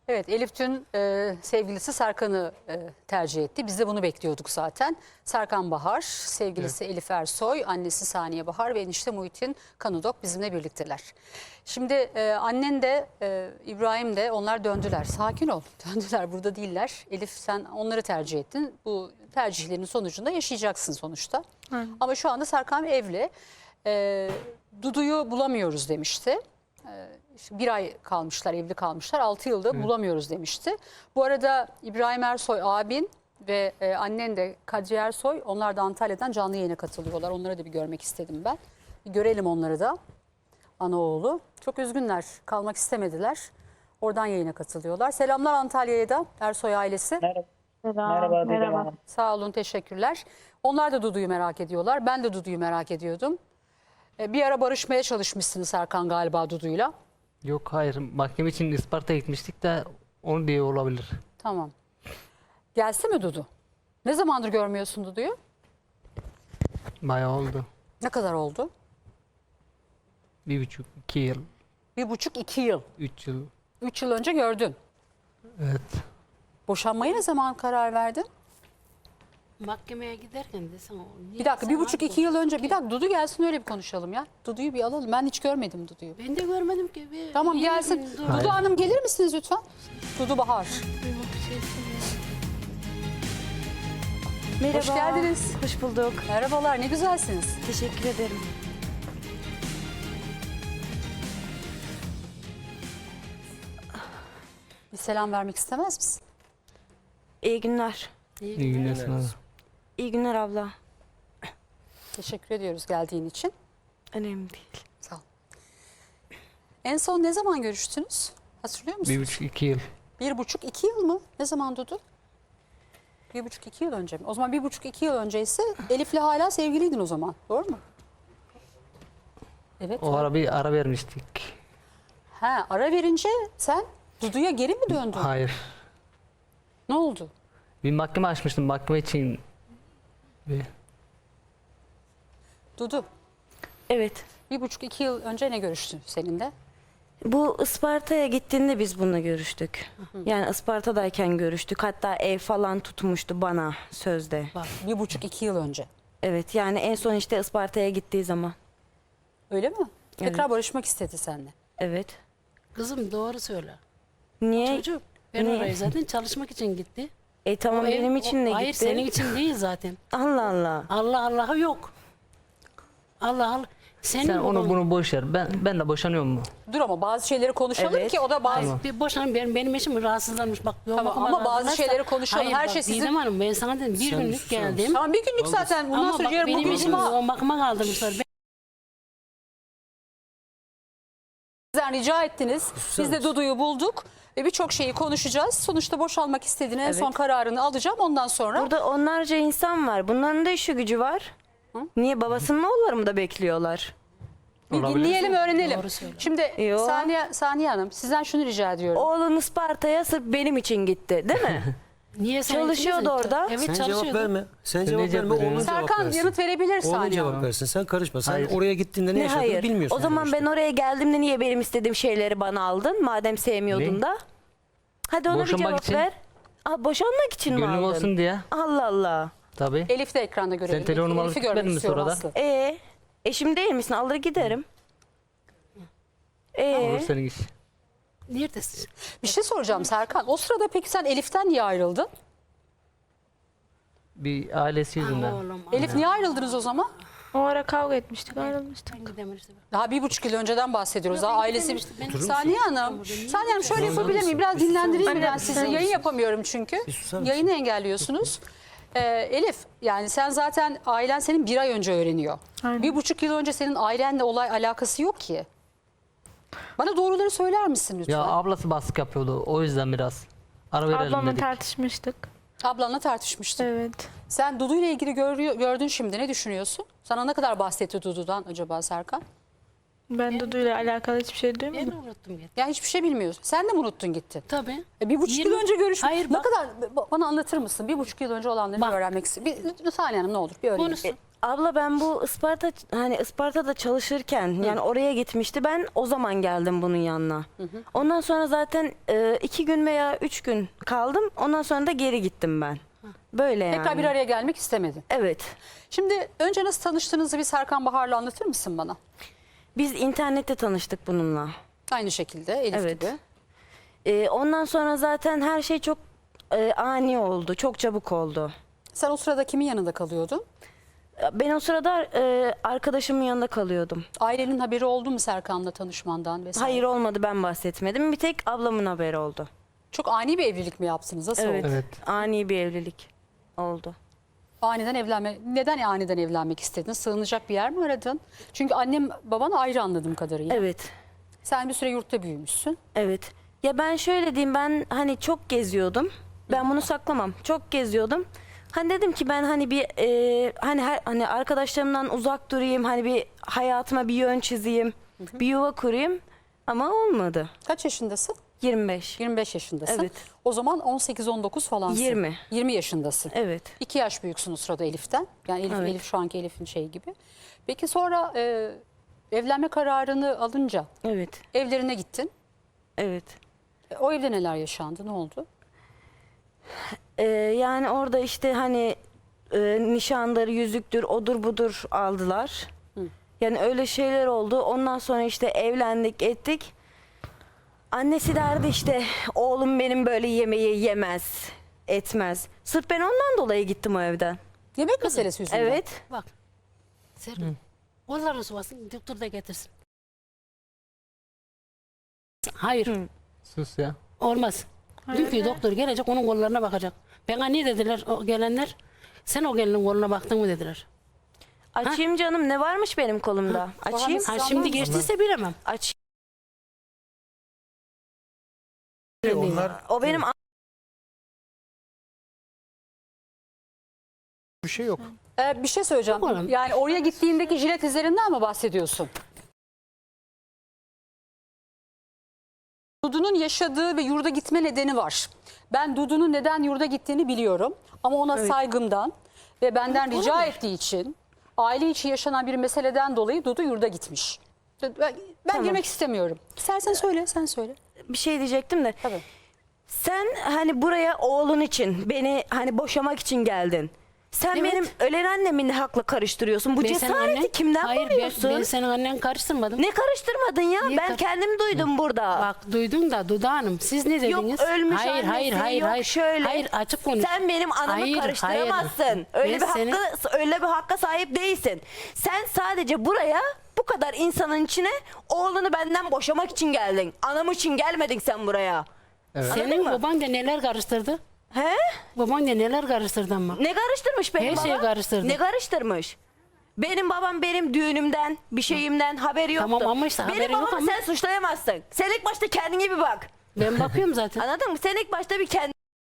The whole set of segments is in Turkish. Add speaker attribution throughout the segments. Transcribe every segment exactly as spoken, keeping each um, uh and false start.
Speaker 1: Evet, Elif dün e, sevgilisi Serkan'ı e, tercih etti. Biz de bunu bekliyorduk zaten. Serkan Bahar, sevgilisi evet. Elif Ersoy, annesi Saniye Bahar ve enişte Muhittin Kanudok bizimle birlikteler. Şimdi e, annen de e, İbrahim de onlar döndüler. Sakin ol, döndüler, burada değiller. Elif sen onları tercih ettin. Bu tercihlerin sonucunda yaşayacaksın sonuçta. Hı. Ama şu anda Serkan evli. E, Dudu'yu bulamıyoruz demişti. İşte bir ay kalmışlar, evli kalmışlar. Altı yılda evet. bulamıyoruz demişti. Bu arada İbrahim Ersoy abin ve e, annen de Kadriye Ersoy, onlar da Antalya'dan canlı yayına katılıyorlar. Onları da bir görmek istedim ben. Bir görelim onları da. Anaoğlu. Çok üzgünler, kalmak istemediler. Oradan yayına katılıyorlar. Selamlar Antalya'ya da Ersoy ailesi.
Speaker 2: Merhaba.
Speaker 3: Merhaba. Merhaba.
Speaker 1: Sağ olun, teşekkürler. Onlar da Dudu'yu merak ediyorlar. Ben de Dudu'yu merak ediyordum. Bir ara barışmaya çalışmışsınız Serkan galiba Dudu'yla.
Speaker 4: Yok hayır, mahkeme için Isparta'ya gitmiştik de onu diye olabilir.
Speaker 1: Tamam. Gelse mi Dudu? Ne zamandır görmüyorsun Dudu'yu?
Speaker 4: Bayağı oldu.
Speaker 1: Ne kadar oldu?
Speaker 4: Bir buçuk, iki yıl.
Speaker 1: Bir buçuk, iki yıl.
Speaker 4: Üç yıl.
Speaker 1: Üç yıl önce gördün.
Speaker 4: Evet.
Speaker 1: Boşanmaya ne zaman karar verdin?
Speaker 3: Mahkemeye giderken desem o.
Speaker 1: Bir dakika, bir buçuk, iki yıl önce. Bir dakika, Dudu gelsin öyle bir konuşalım ya. Dudu'yu bir alalım. Ben hiç görmedim Dudu'yu.
Speaker 3: Ben de görmedim ki. Bir,
Speaker 1: Tamam gelsin. Dudu Hayır. Hanım gelir misiniz lütfen? Dudu Bahar.
Speaker 5: Merhaba.
Speaker 1: Hoş geldiniz.
Speaker 5: Hoş bulduk.
Speaker 1: Merhabalar, ne güzelsiniz.
Speaker 5: Teşekkür ederim.
Speaker 1: Bir selam vermek istemez misin?
Speaker 5: İyi günler.
Speaker 4: İyi, İyi günler sana.
Speaker 5: İyi günler abla.
Speaker 1: Teşekkür ediyoruz geldiğin için.
Speaker 5: Önemli değil.
Speaker 1: Sağ ol. En son ne zaman görüştünüz? Hatırlıyor musunuz?
Speaker 4: Bir buçuk, iki yıl.
Speaker 1: Bir buçuk, iki yıl mı? Ne zaman Dudu? Bir buçuk, iki yıl önce mi? O zaman bir buçuk, iki yıl önceyse Elif'le hala sevgiliydin o zaman. Doğru mu? Evet.
Speaker 4: O ara bir ara vermiştik.
Speaker 1: Ha, ara verince sen Dudu'ya geri mi döndün?
Speaker 4: Hayır.
Speaker 1: Ne oldu?
Speaker 4: Bir mahkeme açmıştım, mahkeme için. Bir...
Speaker 1: Dudu,
Speaker 5: Evet.
Speaker 1: bir buçuk, iki yıl önce ne görüştün seninle?
Speaker 5: Bu Isparta'ya gittiğinde biz bununla görüştük. Hı hı. Yani Isparta'dayken görüştük. Hatta ev falan tutmuştu bana sözde.
Speaker 1: Bak, bir buçuk, iki yıl önce.
Speaker 5: Evet, yani en son işte Isparta'ya gittiği zaman.
Speaker 1: Öyle mi? Tekrar
Speaker 5: Evet.
Speaker 1: barışmak istedi seninle.
Speaker 5: Evet.
Speaker 3: Kızım doğru söyle.
Speaker 5: Niye?
Speaker 3: Çocuk ben
Speaker 5: Niye?
Speaker 3: oraya zaten çalışmak için gitti.
Speaker 5: E tamam
Speaker 3: O ev-
Speaker 5: benim
Speaker 3: o-
Speaker 5: için de gitti.
Speaker 3: Hayır senin için değil zaten.
Speaker 5: Allah Allah.
Speaker 3: Allah Allah'ı yok. Allah Allah. Senin
Speaker 4: Sen onu
Speaker 3: baban-
Speaker 4: bunu boş ver. Ben ben de boşanıyorum mu?
Speaker 1: Dur ama bazı şeyleri konuşalım
Speaker 5: Evet.
Speaker 1: ki o da bazı...
Speaker 4: Tamam.
Speaker 3: Bir boşanın benim, benim eşim rahatsızlanmış. Bak, yoğun
Speaker 1: Tamam,
Speaker 3: bakıma
Speaker 1: ama bazı
Speaker 3: kaldırırsa-
Speaker 1: şeyleri konuşalım.
Speaker 3: Hayır,
Speaker 1: Her
Speaker 3: bak,
Speaker 1: şey sizin-
Speaker 3: Didem Hanım ben sana dedim bir
Speaker 2: Sen
Speaker 3: günlük
Speaker 2: susar mısın?
Speaker 3: geldim.
Speaker 1: Tamam, bir günlük zaten. Bundan
Speaker 3: Ama
Speaker 1: sonra
Speaker 3: bak
Speaker 1: yarın
Speaker 3: benim
Speaker 1: bugün
Speaker 3: eşim
Speaker 1: cuma.
Speaker 3: yoğun bakıma kaldırmışlar. Ben
Speaker 1: Sizden rica ettiniz. Biz de Dudu'yu bulduk. Ve birçok şeyi konuşacağız. Sonuçta boşalmak istediğini en
Speaker 5: Evet.
Speaker 1: son kararını alacağım. Ondan sonra...
Speaker 5: Burada onlarca insan var. Bunların da işi gücü var.
Speaker 1: Hı?
Speaker 5: Niye babasının oğulları mı da bekliyorlar?
Speaker 1: Bir
Speaker 4: Olabilir.
Speaker 1: dinleyelim, öğrenelim.
Speaker 3: Doğru söyle.
Speaker 1: Şimdi
Speaker 5: Yo.
Speaker 1: Saniye, Saniye Hanım sizden şunu rica ediyorum.
Speaker 5: Oğlun Isparta'ya sırf benim için gitti, değil mi?
Speaker 3: niye sen
Speaker 5: Çalışıyordu
Speaker 3: ikiniz-
Speaker 5: orada.
Speaker 3: Evet
Speaker 2: Sen
Speaker 3: çalışıyordu.
Speaker 2: cevap verme. Sen,
Speaker 4: Sen
Speaker 2: cevap
Speaker 4: ne cevap
Speaker 2: verme. Onun
Speaker 4: veriyorsun?
Speaker 2: cevap
Speaker 1: Serkan
Speaker 2: versin.
Speaker 1: yanıt verebilir
Speaker 2: Onun
Speaker 1: Saniye
Speaker 2: cevap
Speaker 1: Hanım.
Speaker 2: versin. Sen karışma. Sen
Speaker 4: Hayır.
Speaker 2: oraya gittiğinde ne,
Speaker 5: Ne
Speaker 2: yaşadığını
Speaker 5: hayır?
Speaker 2: bilmiyorsun.
Speaker 5: O zaman
Speaker 2: yani
Speaker 5: ben
Speaker 2: işte.
Speaker 5: oraya geldiğimde niye benim istediğim şeyleri bana aldın? Madem sevmiyordun
Speaker 4: Ne?
Speaker 5: da. Hadi ona bir
Speaker 4: Boşanmak
Speaker 5: cevap
Speaker 4: için.
Speaker 5: ver. Aa, boşanmak için mi
Speaker 4: Gönlüm
Speaker 5: aldın?
Speaker 4: olsun diye.
Speaker 5: Allah Allah.
Speaker 4: Tabii.
Speaker 1: Elif de ekranda görelim.
Speaker 4: Sen telefonumu alıp
Speaker 1: Elif'i görmek
Speaker 4: gitmedin mi
Speaker 1: istiyorum
Speaker 4: sonra da?
Speaker 1: Aslı.
Speaker 5: Ee, eşim değil misin? Alır giderim. Ee,
Speaker 4: Olur senin iş.
Speaker 3: Neredesin?
Speaker 1: Bir şey soracağım Serkan. O sırada peki sen Elif'ten niye ayrıldın?
Speaker 4: Bir ailesi yüzünden.
Speaker 3: Oğlum,
Speaker 1: Elif niye ayrıldınız o zaman?
Speaker 6: O ara kavga etmiştik, ayrılmıştık.
Speaker 3: ben gidemedim işte.
Speaker 1: Daha bir buçuk yıl önceden bahsediyoruz. Daha
Speaker 3: ben
Speaker 1: ailesi...
Speaker 3: gidemedim işte. Ben-
Speaker 1: Saniye Hanım, Saniye Hanım şöyle yapabilir miyim? Biraz dinlendireyim ben sizi. Yayın yapamıyorum çünkü.
Speaker 2: Bir susar mısın?
Speaker 1: Yayını engelliyorsunuz. Ee, Elif, yani sen zaten ailen senin bir ay önce öğreniyor.
Speaker 6: Aynen.
Speaker 1: Bir buçuk yıl önce senin ailenle olay alakası yok ki. Bana doğruları söyler misin lütfen?
Speaker 4: Ya ablası baskı yapıyordu. O yüzden biraz ara verelim
Speaker 6: Ablamla
Speaker 4: dedik.
Speaker 6: tartışmıştık.
Speaker 1: Ablanla tartışmıştın.
Speaker 6: Evet.
Speaker 1: Sen Dudu ile ilgili görüyor, gördün şimdi. Ne düşünüyorsun? Sana ne kadar bahsetti Dudu'dan acaba Serkan?
Speaker 6: Ben Dudu'yla alakalı hiçbir şey
Speaker 3: Ben
Speaker 6: duymadım.
Speaker 3: de unuttum gitti.
Speaker 1: Yani hiçbir şey bilmiyorsun. Sen de mi unuttun gittin?
Speaker 3: Tabii.
Speaker 1: E, bir buçuk
Speaker 3: Yirmi-
Speaker 1: yıl önce görüşmüş.
Speaker 3: Hayır,
Speaker 1: Ne
Speaker 3: bak-
Speaker 1: kadar ba- bana anlatır mısın? Bir buçuk yıl önce olanları
Speaker 3: Bak.
Speaker 1: bir öğrenmek istiyorum. Bir, Saniye Hanım ne olur bir öğrenin.
Speaker 3: Konuşsun.
Speaker 5: Abla ben bu Isparta hani Isparta'da çalışırken yani oraya gitmişti. Ben o zaman geldim bunun yanına. Ondan sonra zaten e, iki gün veya üç gün kaldım. Ondan sonra da geri gittim ben. Böyle yani.
Speaker 1: Tekrar bir araya gelmek istemedin.
Speaker 5: Evet.
Speaker 1: Şimdi önce nasıl tanıştığınızı bir Serkan Bahar'la anlatır mısın bana?
Speaker 5: Biz internette tanıştık bununla.
Speaker 1: Aynı şekilde Elif
Speaker 5: Evet.
Speaker 1: gibi.
Speaker 5: E, ondan sonra zaten her şey çok e, ani oldu. Çok çabuk oldu.
Speaker 1: Sen o sırada kimin yanında kalıyordun?
Speaker 5: Ben o sırada e, arkadaşımın yanında kalıyordum.
Speaker 1: Ailenin haberi oldu mu Serkan'la tanışmandan vesaire?
Speaker 5: Hayır olmadı, ben bahsetmedim. Bir tek ablamın haberi oldu.
Speaker 1: Çok ani bir evlilik mi yaptınız? Nasıl
Speaker 5: Evet.
Speaker 1: oldu?
Speaker 4: Evet.
Speaker 5: Ani bir evlilik oldu.
Speaker 1: Aniden evlenme. Neden aniden evlenmek istedin? Sığınacak bir yer mi aradın? Çünkü annem baban ayrı anladığım kadarıyla.
Speaker 5: Evet.
Speaker 1: Sen bir süre yurtta büyümüşsün.
Speaker 5: Evet. Ya ben şöyle diyeyim, ben hani çok geziyordum. Ben bunu saklamam. Çok geziyordum. Hani dedim ki ben hani bir e, hani her, hani arkadaşlarımdan uzak durayım. Hani bir hayatıma bir yön çizeyim. Bir yuva kurayım. Ama olmadı.
Speaker 1: Kaç yaşındasın?
Speaker 5: yirmi beş.
Speaker 1: yirmi beş yaşındasın.
Speaker 5: Evet.
Speaker 1: O zaman on sekiz on dokuz falansın.
Speaker 5: yirmi.
Speaker 1: yirmi yaşındasın.
Speaker 5: Evet.
Speaker 1: İki yaş büyüksün o sırada Elif'ten. Yani Elif,
Speaker 5: Evet.
Speaker 1: Elif şu anki Elif'in şeyi gibi. Peki sonra e, evlenme kararını alınca
Speaker 5: Evet.
Speaker 1: evlerine gittin.
Speaker 5: Evet.
Speaker 1: E, O evde neler yaşandı? Ne oldu?
Speaker 5: Ee, yani orada işte hani e, nişanları, yüzüktür, odur budur aldılar. Yani öyle şeyler oldu. Ondan sonra işte evlendik, ettik. Annesi derdi işte oğlum benim böyle yemeği yemez, etmez. Sırf ben ondan dolayı gittim o evden.
Speaker 1: Yemek meselesi yüzünden.
Speaker 5: Evet.
Speaker 3: Bak. Serkan. Kollarını sıvasın. Doktor da getirsin. Hayır.
Speaker 4: Sus ya.
Speaker 3: Olmaz. Dünkü doktor gelecek onun kollarına bakacak. Bana ne dediler o gelenler? Sen o gelinin koluna baktın mı dediler.
Speaker 5: Açayım canım, ne varmış benim kolumda? Açayım.
Speaker 3: Ha şimdi geçtiyse bilemem.
Speaker 5: Aç.
Speaker 2: Onlar
Speaker 5: O benim
Speaker 2: bir şey yok.
Speaker 1: E, bir şey söyleyeceğim.
Speaker 3: Yok oğlum.
Speaker 1: Yani oraya gittiğindeki jilet izlerinden mi bahsediyorsun? Dudu'nun yaşadığı ve yurda gitme nedeni var. Ben Dudu'nun neden yurda gittiğini biliyorum. Ama ona saygımdan ve benden rica ettiği için aile içi yaşanan bir meseleden dolayı Dudu yurda gitmiş. Ben, ben girmek istemiyorum. İstersen söyle, sen söyle.
Speaker 5: bir şey diyecektim de.
Speaker 1: Tabii.
Speaker 5: Sen hani buraya oğlun için, beni hani boşamak için geldin. Sen
Speaker 3: Evet.
Speaker 5: benim ölen annemin hakla karıştırıyorsun. Bu
Speaker 3: Ben senin
Speaker 5: cesareti
Speaker 3: annen-
Speaker 5: kimden
Speaker 3: Hayır,
Speaker 5: buluyorsun?
Speaker 3: ben, ben senin annen karıştırmadım.
Speaker 5: Ne karıştırmadın ya?
Speaker 3: Niye
Speaker 5: ben
Speaker 3: kar-
Speaker 5: kendim duydum burada.
Speaker 3: Bak duydun da Duda Hanım siz ne dediniz?
Speaker 5: Yok ölmüş
Speaker 3: hayır,
Speaker 5: annesi,
Speaker 3: hayır, hayır,
Speaker 5: yok
Speaker 3: hayır.
Speaker 5: şöyle.
Speaker 3: Hayır açık konuş.
Speaker 5: Sen benim anamı
Speaker 3: Hayır,
Speaker 5: karıştıramazsın.
Speaker 3: hayır.
Speaker 5: Öyle
Speaker 3: Ben
Speaker 5: bir
Speaker 3: seni-
Speaker 5: hakkı, öyle bir hakka sahip değilsin. Sen sadece buraya bu kadar insanın içine oğlunu benden boşamak için geldin. Anam için gelmedin sen buraya.
Speaker 4: Evet.
Speaker 3: Senin
Speaker 5: mı?
Speaker 3: baban da neler karıştırdı?
Speaker 5: He?
Speaker 3: Baban da neler karıştırdı ama.
Speaker 5: Ne karıştırmış benim
Speaker 3: Her
Speaker 5: babam?
Speaker 3: şeyi karıştırdı.
Speaker 5: Ne karıştırmış? Benim babam benim düğünümden, bir şeyimden haberi yoktu.
Speaker 3: Tamam ama işte
Speaker 5: benim
Speaker 3: haberi yok
Speaker 5: babamı
Speaker 3: ama-
Speaker 5: sen suçlayamazsın. Sen ilk başta kendine bir bak.
Speaker 3: Ben bakıyorum zaten.
Speaker 5: Anladın mı? Sen ilk başta bir kendine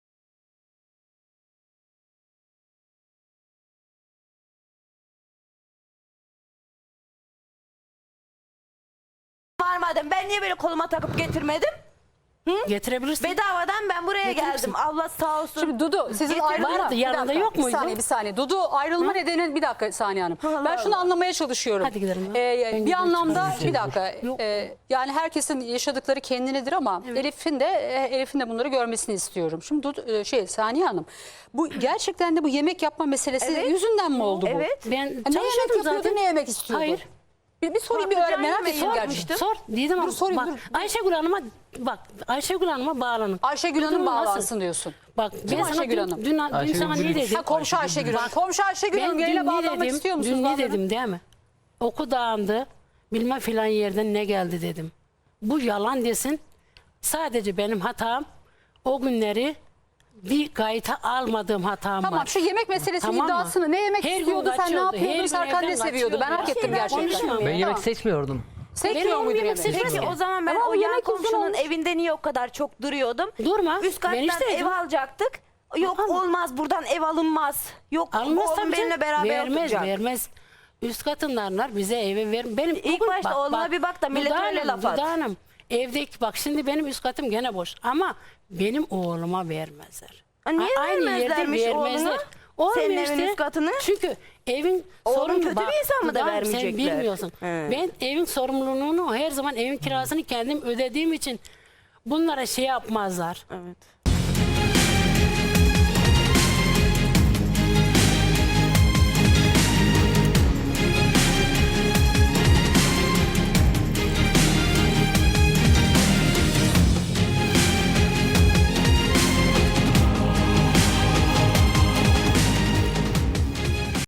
Speaker 5: varmadım. Ben niye böyle koluma takıp getirmedim?
Speaker 3: Getirebilirsin.
Speaker 5: Bedavadan ben buraya geldim. Allah sağ olsun.
Speaker 1: Şimdi Dudu sizin
Speaker 5: Getir-
Speaker 1: ayrılma.
Speaker 3: Vardı,
Speaker 1: Bir
Speaker 3: yanında
Speaker 1: dakika,
Speaker 3: yok muydu?
Speaker 1: Bir saniye bir saniye. Dudu ayrılma nedeni bir dakika Saniye Hanım.
Speaker 5: Allah
Speaker 1: Ben şunu
Speaker 5: Allah.
Speaker 1: anlamaya çalışıyorum.
Speaker 3: Hadi gidelim ya.
Speaker 1: Ee,
Speaker 3: Ben
Speaker 1: bir
Speaker 3: gidiyorum,
Speaker 1: anlamda
Speaker 3: çıkarım.
Speaker 1: bir dakika.
Speaker 3: Yok.
Speaker 1: Ee, yani herkesin yaşadıkları kendinedir ama Elif'in de e, Elif'in de bunları görmesini istiyorum. Şimdi Dudu, e, şey Saniye Hanım. Bu gerçekten de bu yemek yapma meselesi
Speaker 5: Evet.
Speaker 1: yüzünden mi oldu bu?
Speaker 5: Evet.
Speaker 3: Ben
Speaker 1: Ha, ne yemek
Speaker 3: çalışıyordum
Speaker 1: yapıyordu,
Speaker 3: zaten.
Speaker 1: ne yemek istiyordu?
Speaker 3: Hayır.
Speaker 1: Bir, bir sorayım bir
Speaker 5: Patlıcan
Speaker 1: öğren merak
Speaker 5: yemeği
Speaker 1: ettim
Speaker 5: yapmıştım.
Speaker 1: gerçekten.
Speaker 3: Sor. Dedim ama
Speaker 1: Dur, sorayım,
Speaker 3: bak
Speaker 1: dur.
Speaker 3: Ayşegül Hanım'a bak Ayşegül Hanım'a bağlanın.
Speaker 1: Ayşegül Hanım
Speaker 3: Durum nasıl?
Speaker 1: bağlansın diyorsun.
Speaker 3: Bak ben sana
Speaker 1: Ayşegül
Speaker 3: dün,
Speaker 1: Hanım?
Speaker 3: dün, dün
Speaker 4: Ayşegül
Speaker 3: sana ne
Speaker 4: Gülüş.
Speaker 3: dedim?
Speaker 1: Ha, komşu Ayşegül Hanım. Komşu Ayşegül Hanım
Speaker 3: Ben
Speaker 1: yayına
Speaker 3: dün ne
Speaker 1: bağlanmak
Speaker 3: dedim?
Speaker 1: istiyor musunuz?
Speaker 3: Dün ne
Speaker 1: Bağlanın.
Speaker 3: dedim değil mi? Oku dağındı. Bilmem filan yerden ne geldi dedim. Bu yalan desin. Sadece benim hatam o günleri bir kayıta almadığım hatam
Speaker 1: Tamam
Speaker 3: var.
Speaker 1: şu yemek meselesinin
Speaker 3: Tamam mı?
Speaker 1: iddiasını ne yemek
Speaker 3: Her gün
Speaker 1: istiyordu, sen ne
Speaker 3: kaçıyordu, her
Speaker 1: yapıyordun,
Speaker 3: gün
Speaker 1: Serkan ne
Speaker 3: evden
Speaker 1: seviyordu? Ben
Speaker 3: kaçıyordu.
Speaker 1: hak ettim
Speaker 3: Ben
Speaker 1: gerçekten.
Speaker 3: konuşamam.
Speaker 4: Ben yemek
Speaker 1: Tamam.
Speaker 4: seçmiyordum.
Speaker 1: Sekmiyor
Speaker 3: Ben
Speaker 1: muydu
Speaker 3: yemek
Speaker 1: yemek?
Speaker 3: seçmem.
Speaker 5: Peki o zaman ben
Speaker 1: Ama
Speaker 5: o
Speaker 1: o
Speaker 5: yan
Speaker 1: yemek uzun
Speaker 5: komşunun
Speaker 1: olmuş.
Speaker 5: evinde niye o kadar çok duruyordum?
Speaker 3: Durma.
Speaker 5: Üst
Speaker 3: Ben
Speaker 5: kattan
Speaker 3: isteydim.
Speaker 5: ev alacaktık. Yok
Speaker 3: Alma.
Speaker 5: olmaz buradan ev alınmaz. Yok
Speaker 3: Almaz
Speaker 5: oğlum
Speaker 3: tabii
Speaker 5: benimle
Speaker 3: canım.
Speaker 5: beraber
Speaker 3: Vermez
Speaker 5: oturacak.
Speaker 3: vermez. üst katındanlar bize evi ver. Benim
Speaker 5: İlk başta oğluna bir bak da millet
Speaker 3: Duda
Speaker 5: öyle
Speaker 3: Hanım,
Speaker 5: laf at.
Speaker 3: Duda Hanım, evdeki bak şimdi benim üst katım gene boş ama benim oğluma vermezler.
Speaker 5: Ha, niye
Speaker 3: A- Aynı yerde
Speaker 5: vermezlermiş
Speaker 3: vermezler.
Speaker 5: oğluna?
Speaker 3: Olmuyor
Speaker 5: Senin evin
Speaker 3: işte.
Speaker 5: üst katını?
Speaker 3: Çünkü evin
Speaker 5: Oğlum
Speaker 3: sorumlu-
Speaker 5: kötü bir insan mı da
Speaker 3: Duda Hanım,
Speaker 5: vermeyecekler?
Speaker 3: Sen bilmiyorsun.
Speaker 5: He.
Speaker 3: Ben evin sorumluluğunu her zaman evin kirasını kendim ödediğim için bunlara şey yapmazlar.
Speaker 5: Evet.